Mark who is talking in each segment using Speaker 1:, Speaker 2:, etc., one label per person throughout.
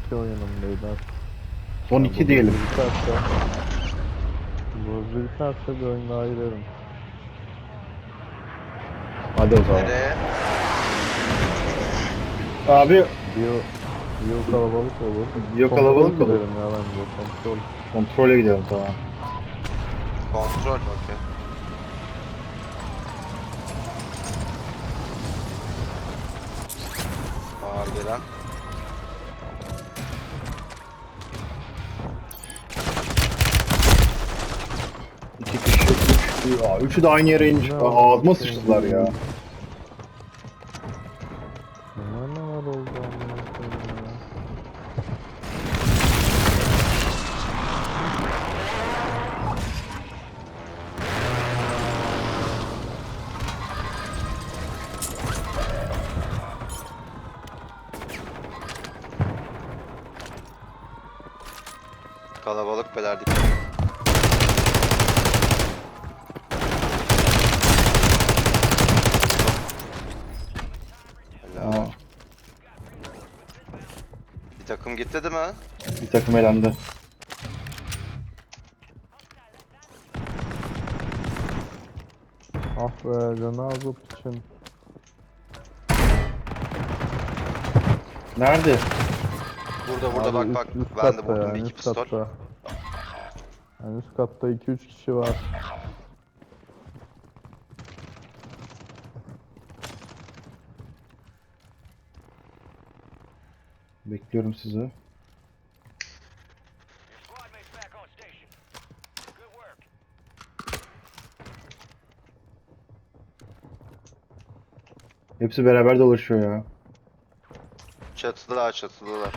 Speaker 1: iki oyunum beyler.
Speaker 2: Son iki diyelim.
Speaker 1: Bu hızlı biterse bir oyun daha girerim.
Speaker 2: Hadi o zaman.
Speaker 3: Nereye?
Speaker 2: Abi
Speaker 1: Bir kalabalık olur.
Speaker 2: Bio
Speaker 1: Kontrol
Speaker 2: kalabalık olur.
Speaker 1: gidelim ya bence kontrol.
Speaker 2: Kontrole gidelim, tamam.
Speaker 3: Kontrol. Okey. Ağır gelen.
Speaker 2: İki kişi, üçü de aynı yere inmiş.
Speaker 1: Ne
Speaker 2: Ağzıma
Speaker 1: oldu?
Speaker 2: sıçtılar ya.
Speaker 1: Ne var oldu amına koyayım ya.
Speaker 3: Kalabalık belerdik. Helal.
Speaker 2: Aa,
Speaker 3: Bir takım gitti değil mi?
Speaker 2: bir takım elendi.
Speaker 1: Ah be canı az o piçin.
Speaker 2: Nerede?
Speaker 3: Burada
Speaker 1: Abi
Speaker 3: bak.
Speaker 1: üst
Speaker 3: Ben de
Speaker 1: katta
Speaker 3: vurdum
Speaker 1: ya,
Speaker 3: bir iki
Speaker 1: üst
Speaker 3: pistol.
Speaker 1: katta. Yani üst katta 2-3 kişi var.
Speaker 2: Bekliyorum sizi. Hepsi beraber dolaşıyor ya.
Speaker 3: Çatıdalar.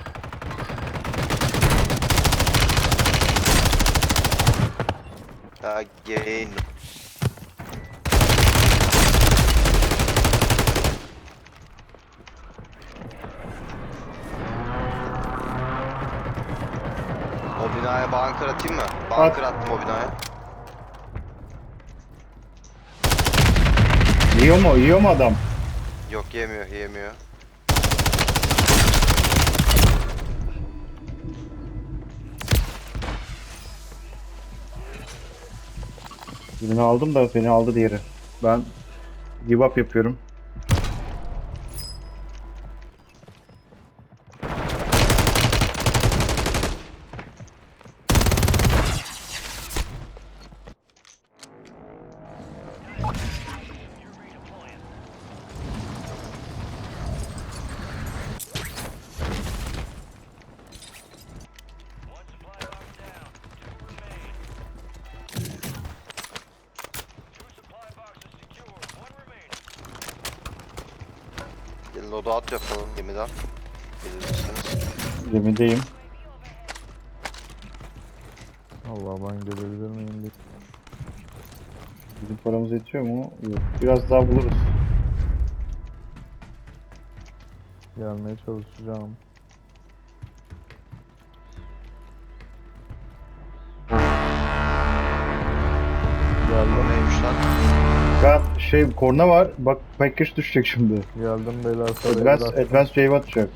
Speaker 3: Daha geri indim. O binaya bunker atayım mı? Bunker attım o binaya.
Speaker 2: Yiyor mu? Yiyor mu adam?
Speaker 3: Yok yemiyor.
Speaker 2: Birini aldım da beni aldı diğeri. Ben give up yapıyorum.
Speaker 3: Gelin loadout yapalım gemiden. Gelir misiniz?
Speaker 2: Gemideyim.
Speaker 1: Allah ben gelebilir miyim diye.
Speaker 2: Bizim paramız yetiyor mu? Yok. Biraz daha buluruz.
Speaker 1: Gelmeye çalışacağım.
Speaker 3: O
Speaker 1: Geldim,
Speaker 3: neymiş lan?
Speaker 2: Ben korna var. Bak package düşecek şimdi.
Speaker 1: geldim beyler saraya biraz.
Speaker 2: Advanced wave atacak.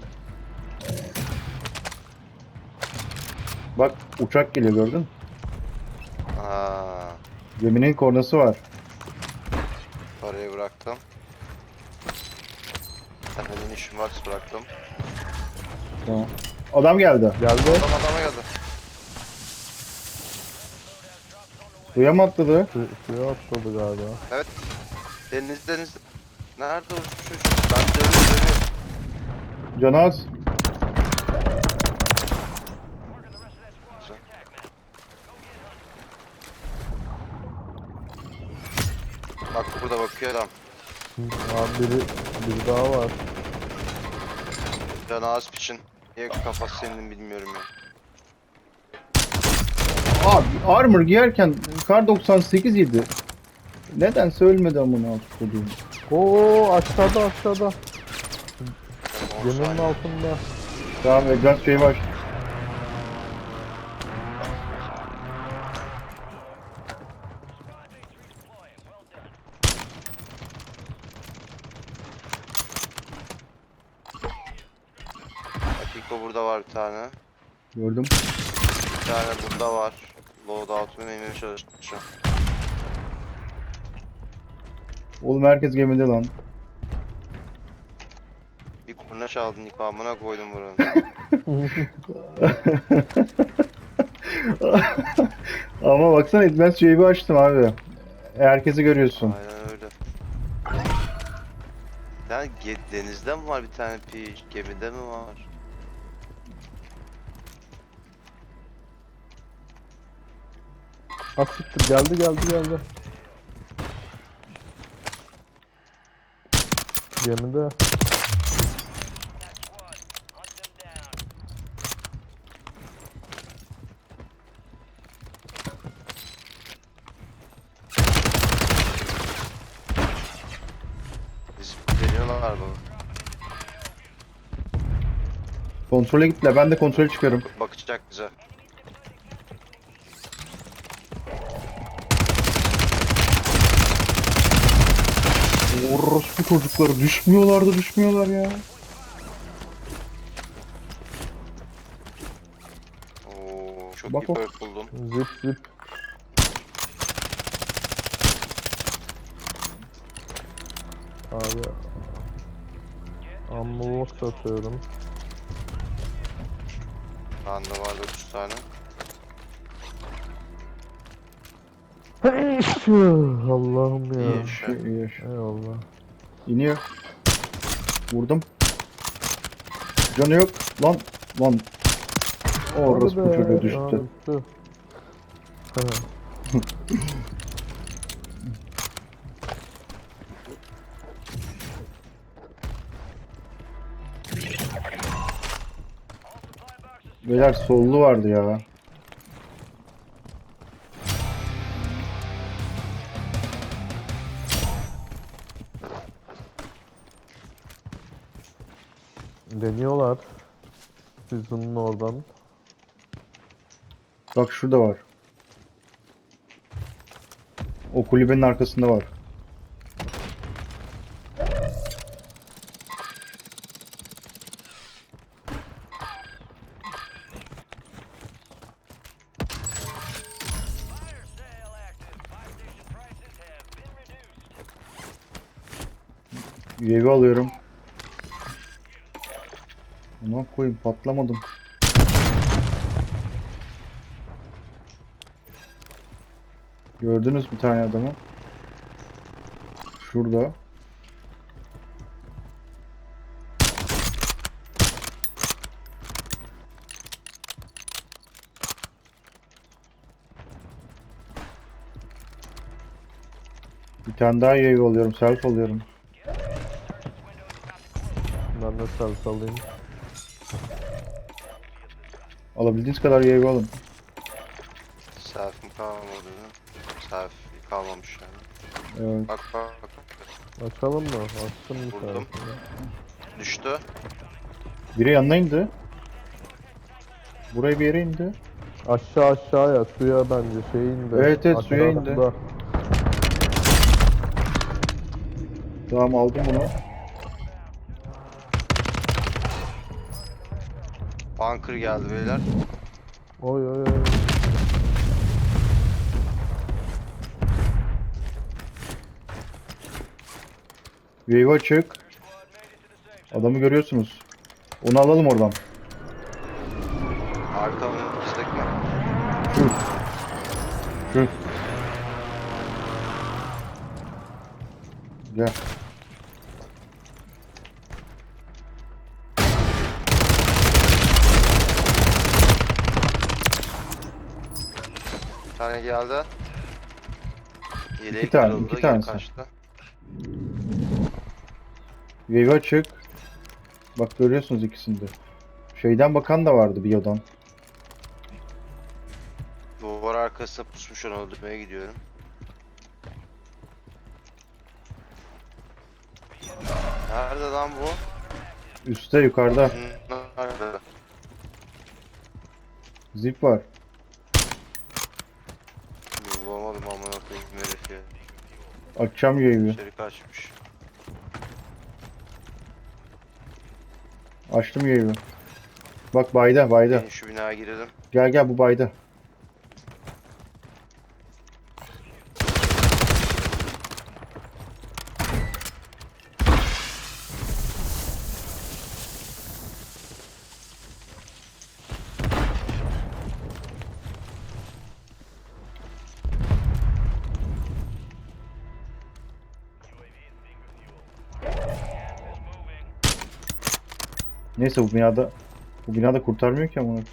Speaker 2: Bak uçak geliyor, gördün?
Speaker 3: Aa,
Speaker 2: Geminin kornası var.
Speaker 3: parayı bıraktım. Benim işim var bıraktım.
Speaker 2: Tamam. Adam geldi.
Speaker 1: Geldi.
Speaker 3: Adama geldi.
Speaker 2: Suya mı atladı?
Speaker 1: Suya atladı galiba.
Speaker 3: Evet. Deniz. Nerede o çocuk? Ben dönüyorum.
Speaker 2: Canı az.
Speaker 3: Bak burada bakıyor adam.
Speaker 1: Abi biri daha var.
Speaker 3: Can ağız piçin. Niye kafası senin bilmiyorum ya.
Speaker 2: Abi armor giyerken kar 98 yedi. Neden söylemedi amına koyayım.
Speaker 1: Oo aşağıda.
Speaker 3: On
Speaker 1: Geminin
Speaker 3: saniye.
Speaker 1: altında.
Speaker 2: Tamam, advanced wave var.
Speaker 3: Akiko burada var bir tane.
Speaker 2: Gördüm.
Speaker 3: Bir tane bunda var. Loadout'umu inmeye çalışacağım.
Speaker 2: Oğlum herkes gemide lan.
Speaker 3: Bir korna çaldın Niko, amına koydum buranın.
Speaker 2: Ama baksana Advanced UAV açtım abi. Herkesi görüyorsun.
Speaker 3: Aynen öyle. Yani denizde mi var bir tane piş? Gemide mi var?
Speaker 1: Asiktir geldi. Gemide.
Speaker 3: Biz deniyorlar mı?
Speaker 2: Kontrole gittiler. Ben de kontrole çıkıyorum.
Speaker 3: Bakacak bize.
Speaker 2: Orospu çocukları düşmüyorlar ya.
Speaker 3: Oo, çok
Speaker 2: Bak
Speaker 3: iyi
Speaker 2: o.
Speaker 3: perk buldum.
Speaker 1: Zip. Abi. Ammo satıyorum.
Speaker 3: Bende var 9 tane.
Speaker 1: Allah'ım ya.
Speaker 3: İyi iş.
Speaker 2: İyi.
Speaker 1: Eyvallah.
Speaker 2: İniyor. Vurdum. Canı yok. Lan. Orospu
Speaker 1: Hadi be,
Speaker 2: çocuğu düştü.
Speaker 1: abi, tüh.
Speaker 2: Beyler sollu vardı ya.
Speaker 1: Deniyorlar. Season'ın oradan.
Speaker 2: Bak şurada var. O kulübenin arkasında var. UAV alıyorum. Ona koyayım patlamadım. Gördünüz bir tane adamı. Şurada. Bir tane daha UAV alıyorum, self alıyorum.
Speaker 1: Ben de self alayım.
Speaker 2: Alabildiğiniz kadar UAV alın.
Speaker 3: Self'im kalmadı. Self kalmamış yani.
Speaker 2: Evet.
Speaker 3: Bak.
Speaker 1: Açalım mı? Açtım bir
Speaker 3: Vurdum.
Speaker 1: tanesini.
Speaker 3: Düştü.
Speaker 2: Biri yanına indi. Buraya bir yere indi.
Speaker 1: Aşağıya suya bence şey indi.
Speaker 2: Evet, suya indi.
Speaker 1: Aşağıda.
Speaker 2: Tamam aldım bunu.
Speaker 3: Bunker geldi beyler.
Speaker 1: Oy.
Speaker 2: UAV açık. Adamı görüyorsunuz. Onu alalım oradan.
Speaker 3: Arkamın istek mi?
Speaker 2: Şu. Gel.
Speaker 3: Bir tane geldi. Yeleği
Speaker 2: İki tane,
Speaker 3: kırıldı,
Speaker 2: iki
Speaker 3: geri
Speaker 2: tanesi.
Speaker 3: kaçtı.
Speaker 2: UAV açık. Bak görüyorsunuz ikisinde. Şeyden bakan da vardı bir odan.
Speaker 3: Duvar arkasına pusmuş, onu öldürmeye gidiyorum. Nerede lan bu?
Speaker 2: Üstte yukarıda.
Speaker 3: Nerede?
Speaker 2: Zip var.
Speaker 3: Bulamadım amına koyayım herifi.
Speaker 2: Açacağım UAV'yi.
Speaker 3: İçeri kaçmış.
Speaker 2: Açtım UAV'yi. Bak bayda bayda.
Speaker 3: Ben şu binaya girelim.
Speaker 2: Gel gel bu bayda. Neyse bu binada kurtarmıyor ki ama.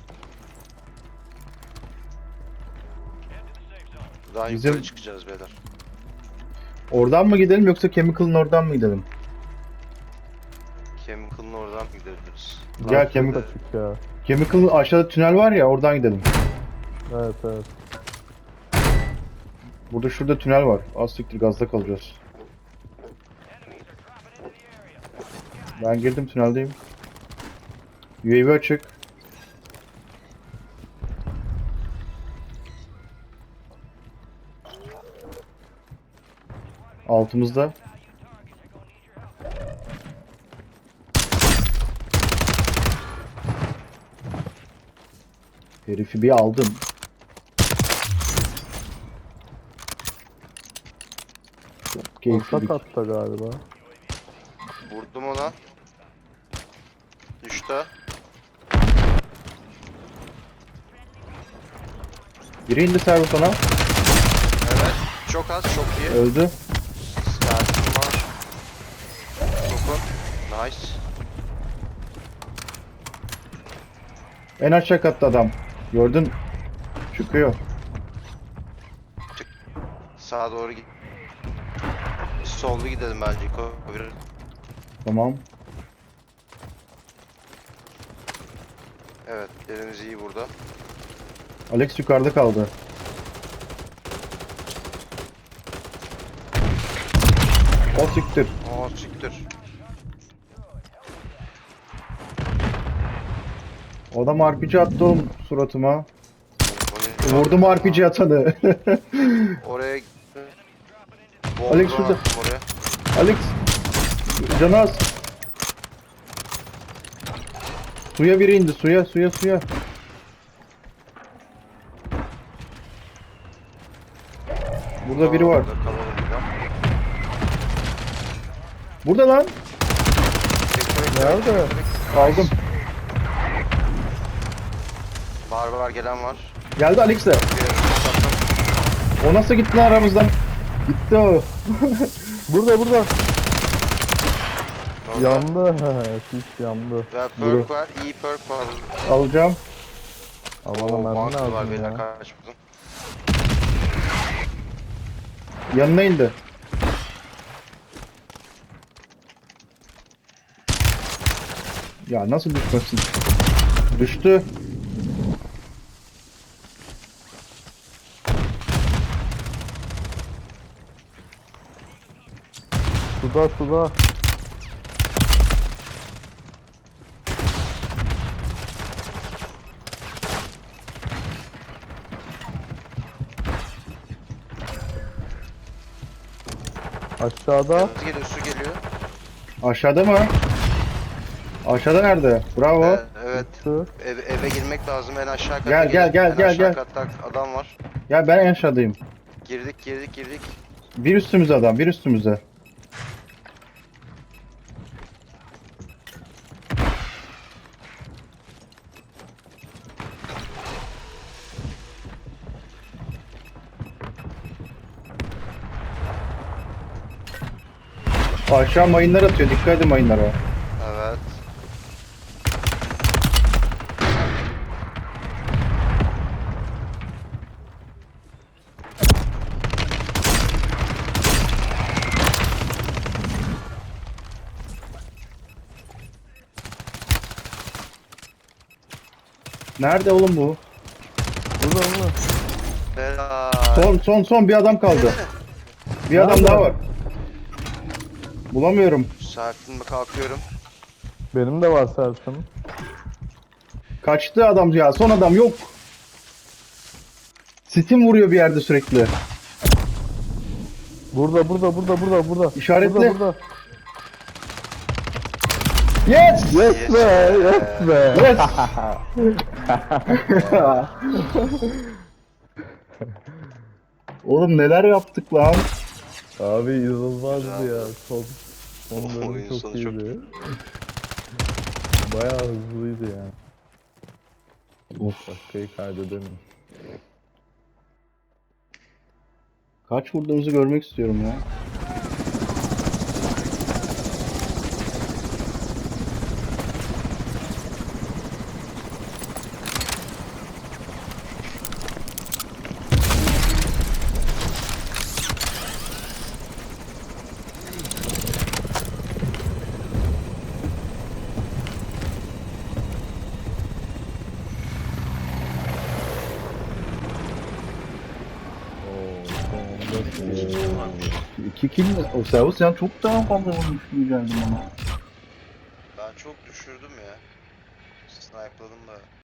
Speaker 3: Daha
Speaker 2: Bizim-
Speaker 3: yukarı çıkacağız beyler.
Speaker 2: Oradan mı gidelim yoksa Chemical'ın oradan mı gidelim?
Speaker 3: Chemical'ın oradan gidebiliriz.
Speaker 2: Gel
Speaker 1: Nasıl
Speaker 2: Chemical.
Speaker 1: açık ya.
Speaker 2: Chemical'ın aşağıda tünel var ya oradan gidelim.
Speaker 1: Evet evet.
Speaker 2: Burada şurada tünel var. Az siktir gazda kalacağız. Ben girdim tüneldeyim. UAV açık. Altımızda. Herifi bir aldım. Çok keyifli
Speaker 1: Orta
Speaker 2: bir...
Speaker 1: katta galiba.
Speaker 3: Vurdum ona. Düştü.
Speaker 2: Biri indi servis ona.
Speaker 3: Evet. Çok az, çok iyi.
Speaker 2: Öldü.
Speaker 3: Sertim var. Dokun. Nice.
Speaker 2: En aşağı katta adam. Gördün. Çıkıyor.
Speaker 3: Sağa doğru git. Sollu gidelim bence. Cover.
Speaker 2: Tamam.
Speaker 3: Evet, yerimiz iyi burada.
Speaker 2: Alex yukarıda kaldı. O siktir.
Speaker 3: Oo, siktir.
Speaker 2: Adam RPG attı oğlum suratıma.
Speaker 3: Bunu-
Speaker 2: Vurdum RPG atanı.
Speaker 3: Oraya gitti.
Speaker 2: Alex şurada.
Speaker 3: Oraya.
Speaker 2: Alex. Canı az. Suya biri indi. Suya. Burada biri var.
Speaker 3: Burada kalalım bir daha.
Speaker 2: Burada lan.
Speaker 1: Nerede?
Speaker 2: Aldım.
Speaker 3: Var gelen var.
Speaker 2: Geldi Alex'e.
Speaker 3: Bir sattım.
Speaker 2: O nasıl gitti lan aramızdan? Gitti o.
Speaker 1: Burada.
Speaker 3: Orada.
Speaker 1: Yandı. Hiç yandı.
Speaker 3: Ve
Speaker 2: Buyurun.
Speaker 3: perk var. İyi perk var.
Speaker 2: Alacağım.
Speaker 1: Aman
Speaker 3: Oo,
Speaker 1: mermi
Speaker 3: bounty var
Speaker 1: lazım
Speaker 3: beyler
Speaker 1: ya.
Speaker 3: kaçmadım.
Speaker 2: Yanına indi. Ya nasıl düşmesin? Düştü.
Speaker 1: Suda. Aşağıda.
Speaker 3: Yanımız geliyor, su geliyor.
Speaker 2: Aşağıda mı? Aşağıda nerede? Bravo.
Speaker 3: Evet.
Speaker 1: Su.
Speaker 3: Eve girmek lazım. En aşağı kata
Speaker 2: Gel,
Speaker 3: gelin.
Speaker 2: gel,
Speaker 3: En
Speaker 2: gel,
Speaker 3: aşağı
Speaker 2: gel.
Speaker 3: katta adam var.
Speaker 2: Ya ben en aşağıdayım.
Speaker 3: Girdik.
Speaker 2: Bir üstümüze adam, bir üstümüze. Aşağı mayınlar atıyor. Dikkat edin mayınlara.
Speaker 3: Evet.
Speaker 2: Nerede oğlum bu?
Speaker 1: Burada.
Speaker 3: Helal.
Speaker 2: Son bir adam kaldı. Bir adam
Speaker 1: Nerede?
Speaker 2: daha var. Bulamıyorum.
Speaker 3: Serpilme kalkıyorum.
Speaker 1: Benim de var sersim.
Speaker 2: Kaçtı adam ya. Son adam yok. Steam vuruyor bir yerde sürekli.
Speaker 1: Burada.
Speaker 2: İşaretle.
Speaker 1: Burada.
Speaker 2: Yes!
Speaker 1: Yes be, yes be.
Speaker 2: Yes! Oğlum neler yaptık lan?
Speaker 1: Abi inanılmazdı ya. Son bölüm
Speaker 3: Oyun
Speaker 1: çok
Speaker 3: sonu çok
Speaker 1: iyiydi. Bayağı hızlıydı yani.
Speaker 2: Of.
Speaker 1: Dakikayı kaydedemiyorum.
Speaker 2: Kaç vurduğunuzu görmek istiyorum ya.
Speaker 1: Oo, sonunda
Speaker 2: 2 kill mi? O Servus yani çok daha fazla vurmuş gibi geldi bana.
Speaker 3: Ben çok düşürdüm ya. Snipe'ladım da.